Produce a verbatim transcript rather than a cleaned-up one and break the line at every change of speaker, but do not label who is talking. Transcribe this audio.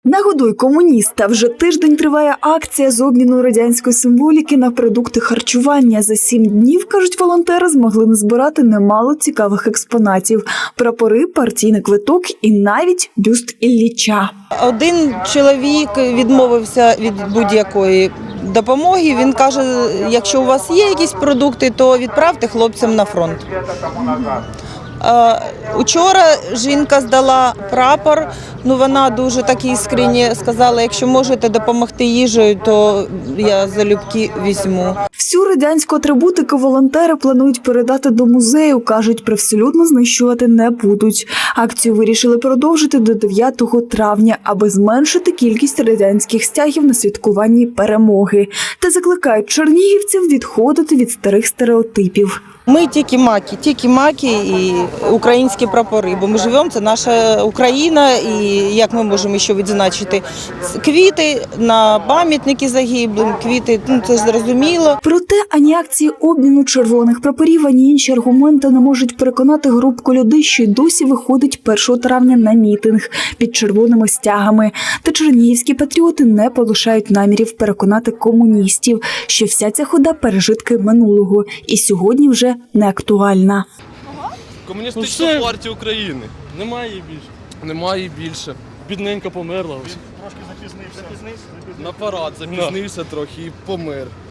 Нагодуй комуніста. Вже тиждень триває акція з обміну радянської символіки на продукти харчування. За сім днів, кажуть волонтери, змогли назбирати немало цікавих експонатів. Прапори, партійний квиток і навіть бюст Ілліча.
Один чоловік відмовився від будь-якої допомоги. Він каже, якщо у вас є якісь продукти, то відправте хлопцям на фронт. Учора жінка здала прапор, ну вона дуже так іскренні сказала, якщо можете допомогти їжею, то я залюбки візьму.
Всю радянську атрибутику волонтери планують передати до музею, кажуть, привселюдно знищувати не будуть. Акцію вирішили продовжити до дев'ятого травня, аби зменшити кількість радянських стягів на святкуванні перемоги. Та закликають чернігівців відходити від старих стереотипів.
Ми тільки маки, тільки маки і українські прапори, бо ми живемо, це наша Україна, і як ми можемо ще відзначити квіти на пам'ятники загиблим, квіти, ну це зрозуміло.
Проте ані акції обміну червоних прапорів, ані інші аргументи не можуть переконати групку людей, що й досі виходить першого травня на мітинг під червоними стягами. Та чернігівські патріоти не полишають намірів переконати комуністів, що вся ця хода – пережитки минулого і сьогодні вже не актуальна.
Комуністична ну, партія України.
Немає її більше.
Немає її більше.
Бідненько померла.
Трошки запізнився. На парад запізнився трохи і помер.